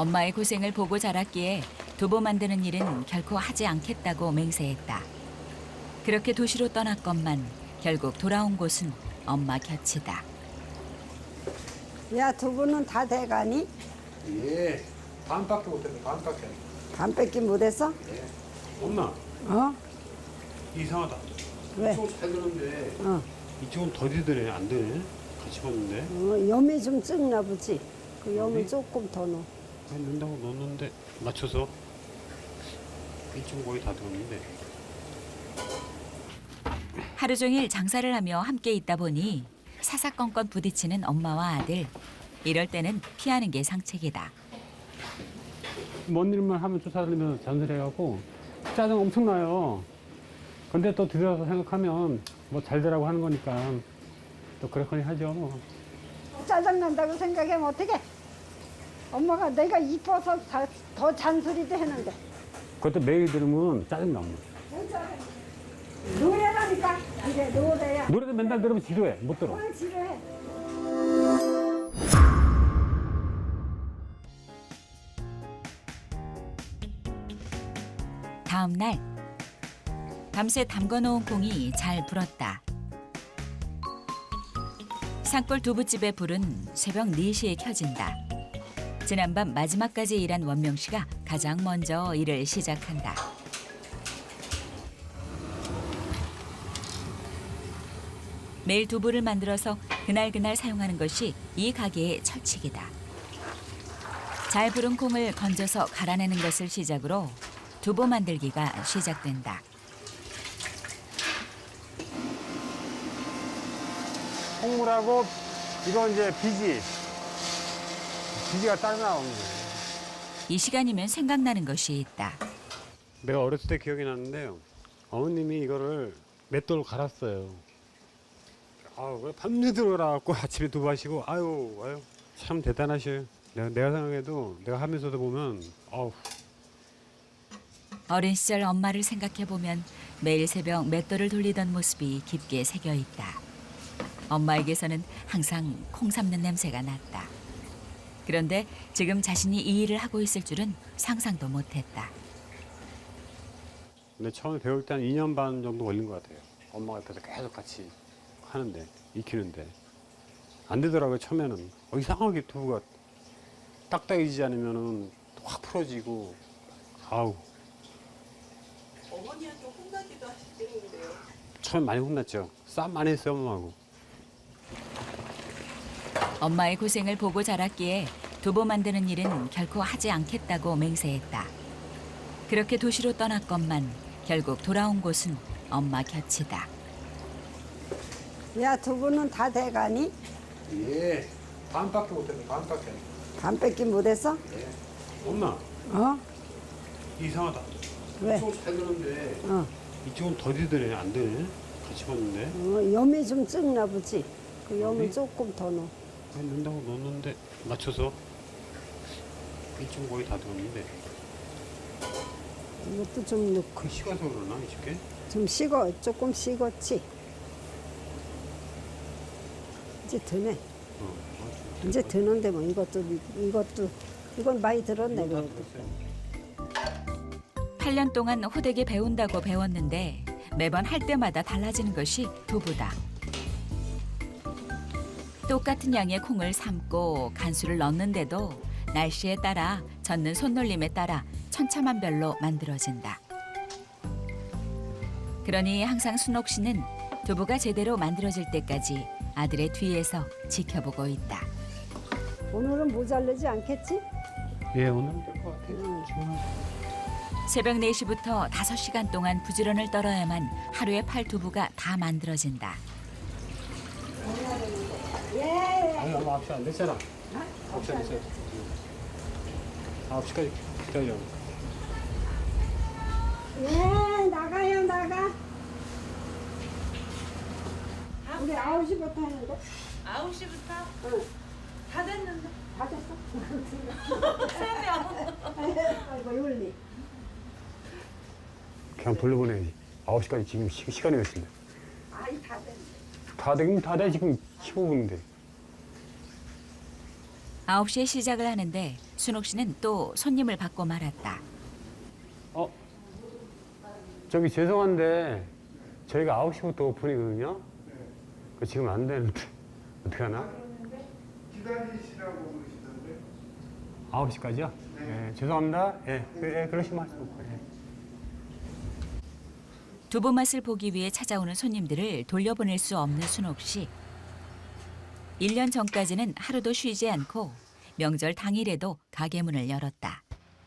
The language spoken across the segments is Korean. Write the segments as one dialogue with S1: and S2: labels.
S1: 엄마의 고생을 보고 자랐기에 두부 만드는 일은 결코 하지 않겠다고 맹세했다. 그렇게 도시로 떠났건만 결국 돌아온 곳은 엄마 곁이다.
S2: 야, 두부는 다 돼가니?
S3: 예, 반밖에 못했어, 반밖에.
S2: 반밖에 못했어?
S3: 예. 엄마,
S2: 어?
S3: 이상하다.
S2: 왜?
S3: 이쪽은 잘 되는데
S2: 어.
S3: 이쪽은 더디드네, 안 되네. 같이 봤는데.
S2: 염이 좀 적나 보지? 그 염을
S3: 염이?
S2: 조금 더 넣어.
S3: 아니, 넣는다고 넣었는데 맞춰서 이쪽은 거의 다 들었는데.
S1: 하루 종일 장사를 하며 함께 있다 보니 사사건건 부딪히는 엄마와 아들. 이럴 때는 피하는 게 상책이다.
S3: 먼 일만 하면 쫓아다니면서 잔소리해갖고 짜증 엄청 나요. 근데 또 들여서 생각하면 뭐 잘 되라고 하는 거니까 또 그렇거니 하죠. 뭐.
S2: 짜증난다고 생각하면 어떡해? 엄마가 내가 이뻐서 더 잔소리도 했는데.
S3: 그것도 매일 들으면 짜증 나요.
S2: 노래라니까. 이제 노래야.
S3: 노래도 맨날 들으면 지루해. 못 들어.
S2: 뭘 지루해.
S1: 다음 날 밤새 담궈놓은 콩이 잘 불었다. 산골 두부집의 불은 새벽 4시에 켜진다. 지난밤 마지막까지 일한 원명 씨가 가장 먼저 일을 시작한다. 매일 두부를 만들어서 그날그날 사용하는 것이 이 가게의 철칙이다. 잘 부른 콩을 건져서 갈아내는 것을 시작으로 두부 만들기가 시작된다.
S3: 콩물하고 이거 이제 비지가 따로 나오는 거예요.
S1: 이 시간이면 생각나는 것이 있다.
S3: 내가 어렸을 때 기억이 나는데요. 어머님이 이거를 맷돌로 갈았어요. 아유, 밤새 들어가갖고 아침에 두부 하시고, 아유, 참 대단하셔요. 내가 생각해도, 내가 하면서도 보면, 아우.
S1: 어린 시절 엄마를 생각해보면 매일 새벽 맷돌을 돌리던 모습이 깊게 새겨 있다. 엄마에게서는 항상 콩 삶는 냄새가 났다. 그런데 지금 자신이 이 일을 하고 있을 줄은 상상도 못했다.
S3: 근데 처음에 배울 때 한 2년 반 정도 걸린 것 같아요. 엄마가 옆에서 계속 같이 하는데, 익히는데. 안 되더라고요, 처음에는. 이상하게 두부가 딱딱해지지 않으면은 확 풀어지고, 아우.
S4: 어머니한테 혼나기도 하시겠는데요.
S3: 처음에 많이 혼났죠. 싸움 많이 했어요, 엄마하고.
S1: 엄마의 고생을 보고 자랐기에 두부 만드는 일은 결코 하지 않겠다고 맹세했다. 그렇게 도시로 떠났건만 결국 돌아온 곳은 엄마 곁이다.
S2: 야, 두부는 다 돼가니?
S3: 예, 반밖에 못했어, 반밖에.
S2: 반밖에 못했어?
S3: 예. 엄마,
S2: 어?
S3: 이상하다.
S2: 왜?
S3: 이쪽은 잘 되는데,
S2: 어.
S3: 이쪽은 더디드네, 안 되네. 같이 봤는데.
S2: 염이 좀 적나 보지? 그 염을
S3: 염이?
S2: 조금 더 넣어.
S3: 아니, 넣는다고 넣었는데, 맞춰서. 이쪽은 거의 다 들었는데.
S2: 이것도 좀 넣고.
S3: 그 식어서 그러나, 이쪽에?
S2: 좀 조금 식었지? 이제 드네. 이제 드는데 뭐 이건 많이 들었네, 그래도.
S1: 8년 동안 호되게 배운다고 배웠는데 매번 할 때마다 달라지는 것이 두부다. 똑같은 양의 콩을 삶고 간수를 넣는데도 날씨에 따라 젓는 손놀림에 따라 천차만별로 만들어진다. 그러니 항상 순옥 씨는 두부가 제대로 만들어질 때까지 아들의 뒤에서 지켜보고 있다.
S2: 오늘은 모자르지 않겠지?
S3: 예, 오늘은 될 것 같아요.
S1: 새벽 4시부터 5시간 동안 부지런을 떨어야만 하루에 팔 두부가 다 만들어진다.
S3: 아니, 엄마 9시 안 됐잖아. 9시 안 됐어요. 9시까지 기다려.
S2: 예, 나가요, 나가. 우리 9시부터 하는데?
S4: 9시부터
S2: 응.
S4: 다 됐는데.
S2: 다 됐어?
S4: 3명.
S2: 아이고, 윤리.
S3: 그냥 돌려보내야지. 9시까지 지금 시간이 몇 시인데?
S2: 아이, 다 됐네.
S3: 다 되긴 다 돼. 지금 15분인데.
S1: 9시에 시작을 하는데 순옥 씨는 또 손님을 받고 말았다.
S3: 저기 죄송한데 저희가 9시부터 오픈이거든요. 그 지금 안 되는데 어떻게 하나?
S5: 기다리시라고 그러시던데.
S3: 9시까지요? 네. 죄송합니다. 예, 그러시면 하시고. 예.
S1: 두부 맛을 보기 위해 찾아오는 손님들을 돌려보낼 수 없는 순옥 씨. 1년 전까지는 하루도 쉬지 않고 명절 당일에도 가게 문을 열었다.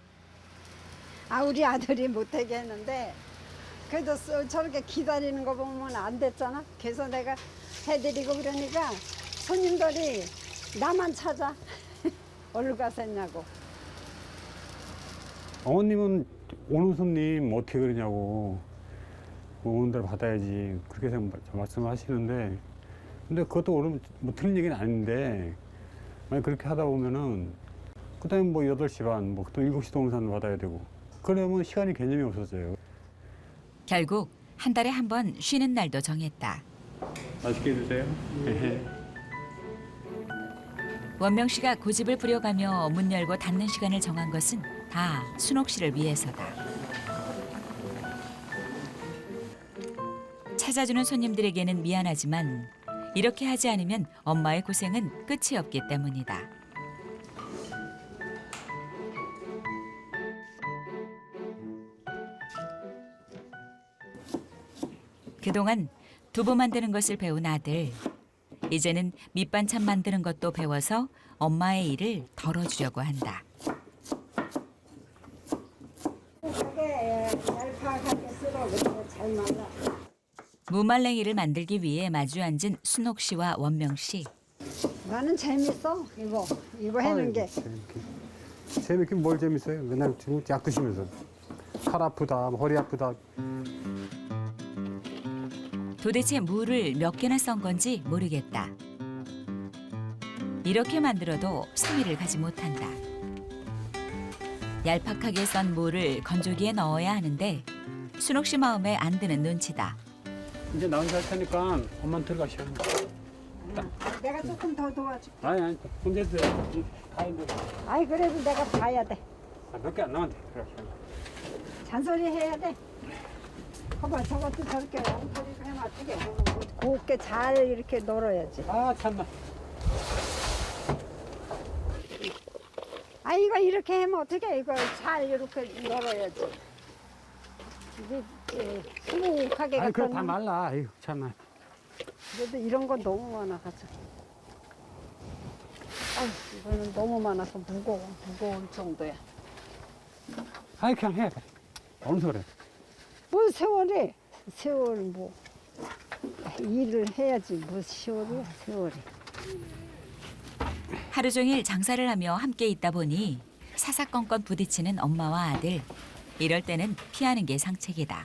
S2: 우리 아들이 못하게 했는데 그래도 저렇게 기다리는 거 보면 안 됐잖아. 그래서 내가 해드리고 그러니까 손님들이 나만 찾아. 어디로 가서 했냐고.
S3: 어머님은 오는 손님 어떻게 그러냐고 오는 대로 받아야지 그렇게 말씀하시는데 근데 그것도 뭐 틀린 얘기는 아닌데 만약 그렇게 하다 보면은 그다음에 뭐 8시 반, 뭐 또 7시도 오는 사람 받아야 되고 그러면 시간이 개념이 없어져요.
S1: 결국 한 달에 한 번 쉬는 날도 정했다.
S3: 맛있게 드세요.
S1: 원명 씨가 고집을 부려가며 문 열고 닫는 시간을 정한 것은 다 순옥 씨를 위해서다. 찾아주는 손님들에게는 미안하지만 이렇게 하지 않으면 엄마의 고생은 끝이 없기 때문이다. 그동안 두부 만드는 것을 배운 아들. 이제는 밑반찬 만드는 것도 배워서 엄마의 일을 덜어주려고 한다.
S2: 그게 얄팍하게 쓸어. 그리고 잘 말라.
S1: 무말랭이를 만들기 위해 마주 앉은 순옥 씨와 원명 씨.
S2: 나는 재밌어. 이거 하는 게.
S3: 재밌긴 뭘 재밌어요. 맨날 지금 약 드시면서 팔 아프다, 허리 아프다.
S1: 도대체 무를 몇 개나 썬 건지 모르겠다. 이렇게 만들어도 3일을 가지 못한다. 얄팍하게 썬 무를 건조기에 넣어야 하는데 순옥 씨 마음에 안 드는 눈치다.
S3: 이제 나 혼자 할 테니까 엄마한테 들어가시오.
S2: 내가 조금 더 도와줄게.
S3: 아니, 혼자 해도 다 했는데.
S2: 그래도 내가 봐야 돼.
S3: 몇 개 안 남았는데 들어가시오.
S2: 잔소리 해야 돼. 봐봐, 저것도 저렇게 엉터리로 하면 어떡해. 곱게 잘 이렇게 널어야지.
S3: 아, 참나.
S2: 이거 이렇게 하면 어떡해. 이거 잘 이렇게 널어야지. 이게 수북하게
S3: 아니, 그거
S2: 갖다
S3: 다
S2: 놓으면
S3: 말라. 아이고, 참나.
S2: 그래도 이런 건 너무 많아가지고. 이거는 너무 많아서 무거울 정도야.
S3: 아이, 그냥 해. 어느 소리.
S2: 뭐 세월 뭐 일을 해야지 뭐 세월이야 세월이.
S1: 하루 종일 장사를 하며 함께 있다 보니 사사건건 부딪히는 엄마와 아들. 이럴 때는 피하는 게 상책이다.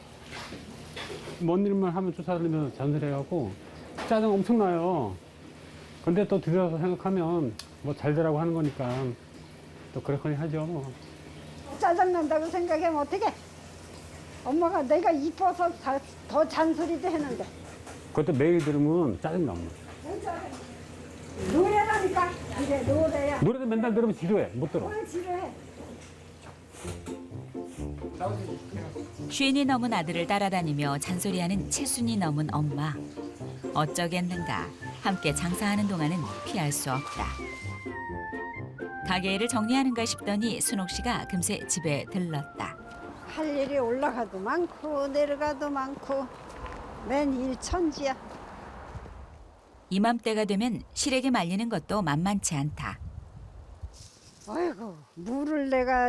S3: 먼 일만 하면 쫓아다니면서 잔소리해갖고 짜증 엄청 나요. 근데 또 들여서 생각하면 뭐 잘 되라고 하는 거니까 또 그렇거니 하죠. 뭐.
S2: 짜증난다고 생각하면 어떡해. 엄마가 내가 이뻐서 더 잔소리도 했는데.
S3: 그것도 매일 들으면 짜증 나요.
S2: 노래라니까. 이제 노래야.
S3: 노래도 맨날 들으면 지루해. 못 들어.
S2: 뭘 지루해.
S1: 쉰이 넘은 아들을 따라다니며 잔소리하는 7순이 넘은 엄마. 어쩌겠는가. 함께 장사하는 동안은 피할 수 없다. 가게 일을 정리하는가 싶더니 순옥 씨가 금세 집에 들렀다.
S2: 할 일이 올라가도 많고 내려가도 많고 맨 일천지야.
S1: 이맘때가 되면 실에게 말리는 것도 만만치 않다.
S2: 아이고 물을 내가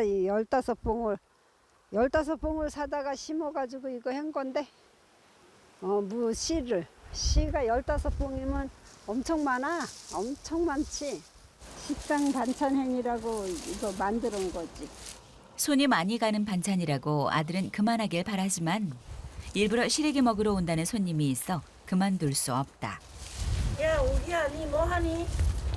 S2: 15봉을 사다가 심어가지고 이거 한 건데 씨가 15봉이면 엄청 많아. 엄청 많지. 식당 반찬행이라고 이거 만들어 온 거지.
S1: 손이 많이 가는 반찬이라고 아들은 그만하길 바라지만 일부러 시래기 먹으러 온다는 손님이 있어 그만둘 수 없다.
S4: 야, 우리야, 니 뭐하니?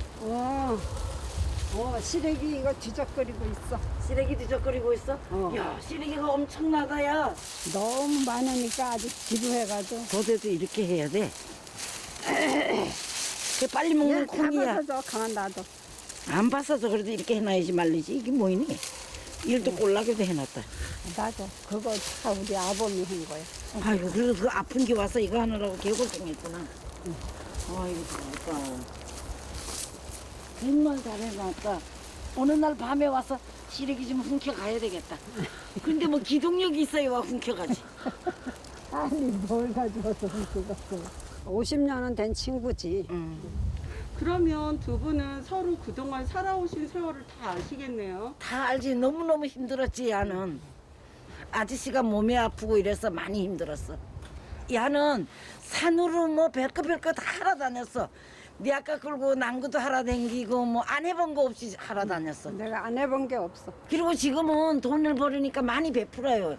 S2: 시래기 이거 뒤적거리고 있어.
S4: 시래기 뒤적거리고 있어? 야, 시래기가 엄청나다, 야.
S2: 너무 많으니까 아주 지루해가지고.
S4: 너네도 이렇게 해야 돼. 그 빨리 먹는 콩이야.
S2: 잡아서 줘. 가만 놔둬.
S4: 안 봤어서 그래도 이렇게 해놔야지 말리지. 이게 뭐이니? 일도 꼴나게도 해놨다.
S2: 나도 그거 다 우리 아범이 한 거야.
S4: 아이고 그래도 그 아픈 게 와서 이거 하느라고 개고생했구나. 아이고 잘했다. 정말 잘해놨다. 어느 날 밤에 와서 시래기 좀 훔쳐가야 되겠다. 근데 뭐 기동력이 있어야 와 훔쳐가지.
S2: 아니 뭘 가져와서 그거 50년은 된 친구지.
S5: 그러면 두 분은 서로 그동안 살아오신 세월을 다 아시겠네요.
S4: 다 알지. 너무너무 힘들었지 야는. 아저씨가 몸이 아프고 이래서 많이 힘들었어. 야는 산으로 뭐 별것 다 하러 다녔어. 네 아까 끌고 난구도 하러 다니고 뭐 안 해본 거 없이 하러 다녔어.
S2: 내가 안 해본 게 없어.
S4: 그리고 지금은 돈을 벌으니까 많이 베풀어요.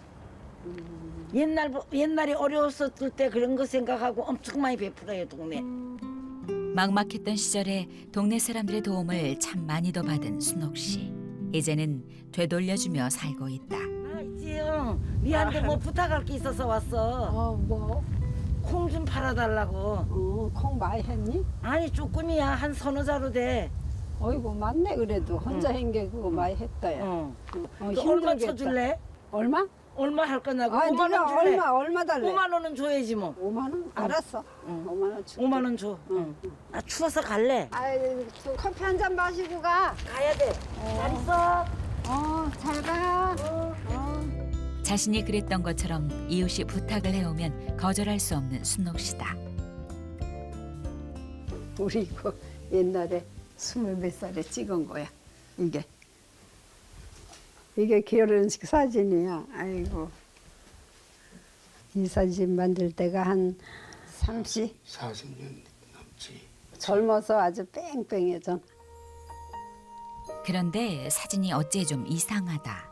S4: 옛날에 어려웠을 때 그런 거 생각하고 엄청 많이 베풀어요 동네.
S1: 막막했던 시절에 동네 사람들의 도움을 참 많이도 받은 순옥 씨. 이제는 되돌려주며 살고 있다.
S4: 아 있지요. 니한테 뭐 부탁할 게 있어서 왔어.
S2: 뭐?
S4: 콩 좀 팔아달라고.
S2: 콩 많이 했니?
S4: 아니 조금이야. 한 서너 자루 돼.
S2: 어이구 맞네 그래도 혼자 한 게 그거 많이 했다 야.
S4: 어.
S2: 어,
S4: 너 얼마
S2: 힘들겠다.
S4: 쳐줄래?
S2: 얼마?
S4: 얼마 할 거냐고.
S2: 아
S4: 5만
S2: 네가
S4: 원 줄래?
S2: 얼마 달래?
S4: 5만 원은 줘야지 뭐.
S2: 5만 원? 알았어. 5만 원 줄게.
S4: 5만 원 줘.
S2: 응.
S4: 아 추워서 갈래?
S2: 아이 커피 한 잔 마시고 가.
S4: 가야 돼. 잘 있어.
S2: 잘 가.
S1: 자신이 그랬던 것처럼 이웃이 부탁을 해오면 거절할 수 없는 순옥 씨다.
S2: 우리 이거 옛날에 20몇 살에 찍은 거야. 이게 결혼식 사진이야. 아이고. 이 사진 만들 때가 한 40년
S6: 넘지.
S2: 젊어서 아주 뺑뺑해져.
S1: 그런데 사진이 어째 좀 이상하다.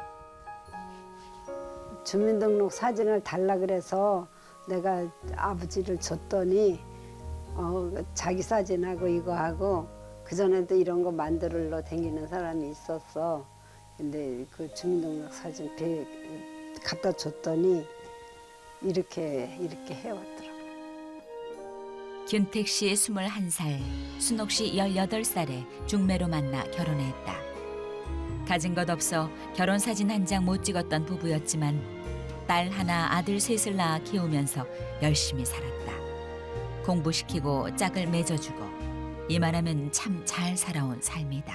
S2: 주민등록 사진을 달라 그래서 내가 아버지를 줬더니 자기 사진하고 이거 하고 그전에도 이런 거 만들러 다니는 사람이 있었어. 근데 그 주민등록 사진 갖다 줬더니 이렇게 해왔더라고.
S1: 균택 씨 21살, 순옥 씨 18살에 중매로 만나 결혼했다. 가진 것 없어 결혼 사진 한 장 못 찍었던 부부였지만 딸 하나 아들 셋을 낳아 키우면서 열심히 살았다. 공부시키고 짝을 맺어주고 이만하면 참 잘 살아온 삶이다.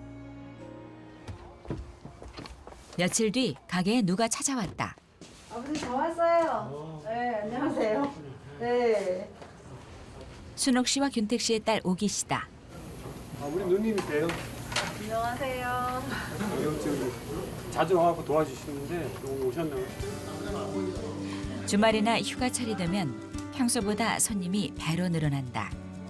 S1: 며칠 뒤 가게에 누가 찾아왔다.
S7: 아버지 저 왔어요. 네, 안녕하세요. 네.
S1: 순옥 씨와 균택 씨의 딸 오기 씨다.
S3: 아, 우리 누님이세요.
S7: 안녕하세요.
S3: 여기 자주 와서 도와주시는데 오늘 오셨나요?
S1: 주말이나 휴가철이 되면 평소보다 손님이 배로 늘어난다.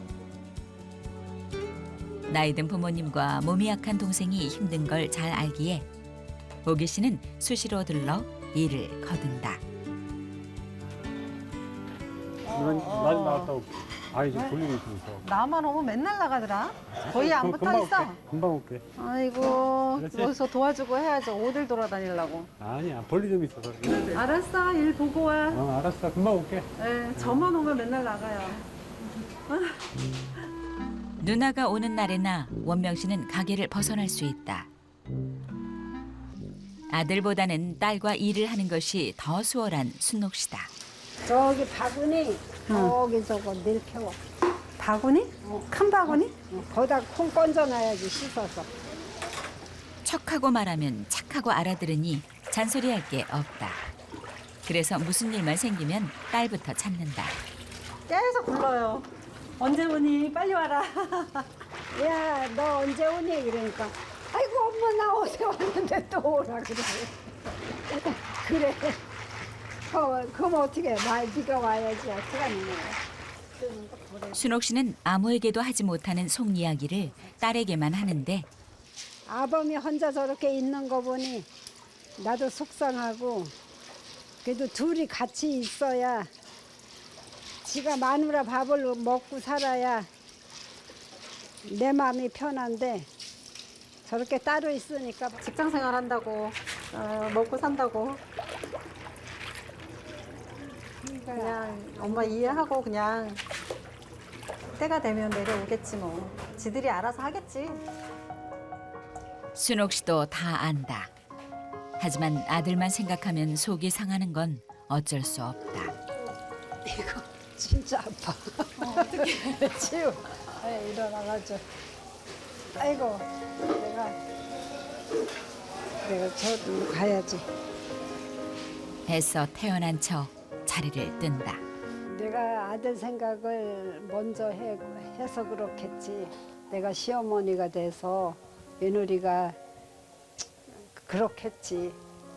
S1: 나이든 부모님과 몸이 약한 동생이 힘든 걸 잘 알기에 오기 씨는 수시로 들러 일을 거둔다.
S3: 많이 나왔다고 아이 좀 볼일이 있어서.
S7: 나만 오면 맨날 나가더라. 거의 안 붙어 있어.
S3: 금방 올게.
S7: 아이고
S3: 그렇지?
S7: 여기서 도와주고 해야죠. 어딜 돌아다니려고.
S3: 아니야 볼일 좀 있어서.
S7: 알았어. 일 보고 와.
S3: 알았어 금방 올게.
S7: 네, 저만 오면 맨날 나가요.
S1: 누나가 오는 날에나 원명 씨는 가게를 벗어날 수 있다. 아들보다는 딸과 일을 하는 것이 더 수월한 순옥 씨다.
S2: 저기 바구니 저기 저거 늘 캐워.
S7: 바구니? 큰 바구니?
S2: 거기다 콩 건져놔야지 씻어서.
S1: 척하고 말하면 착하고 알아들으니 잔소리할 게 없다. 그래서 무슨 일만 생기면 딸부터 찾는다.
S7: 계속 불러요. 언제 오니? 빨리 와라.
S2: 야, 너 언제 오니? 그러니까 아이고 엄마 나 어제 왔는데 또 오라 그래. 그래. 그럼 어떻게 해? 네가 와야지. 어떡하니 내가.
S1: 순옥 씨는 아무에게도 하지 못하는 속 이야기를 딸에게만 하는데
S2: 아범이 혼자 저렇게 있는 거 보니 나도 속상하고 그래도 둘이 같이 있어야 지가 마누라 밥을 먹고 살아야 내 마음이 편한데 저렇게 따로 있으니까
S7: 직장 생활 한다고 먹고 산다고 그냥 엄마 이해하고 그냥 때가 되면 내려오겠지 뭐. 지들이 알아서 하겠지.
S1: 순옥 씨도 다 안다. 하지만 아들만 생각하면 속이 상하는 건 어쩔 수 없다.
S2: 이거 진짜 아파. 어떻게 치우? 일어나가지고. 아이고 내가 저도 가야지.
S1: 애써 태어난 척 자리를 뜬다.
S2: 내가 아들 생각을 먼저 해서 그렇겠지. 내가 시어머니가 돼서 며느리가 그렇겠지.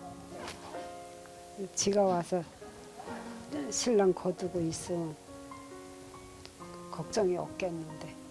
S2: 지가 와서 신랑 거두고 있으면 걱정이 없겠는데.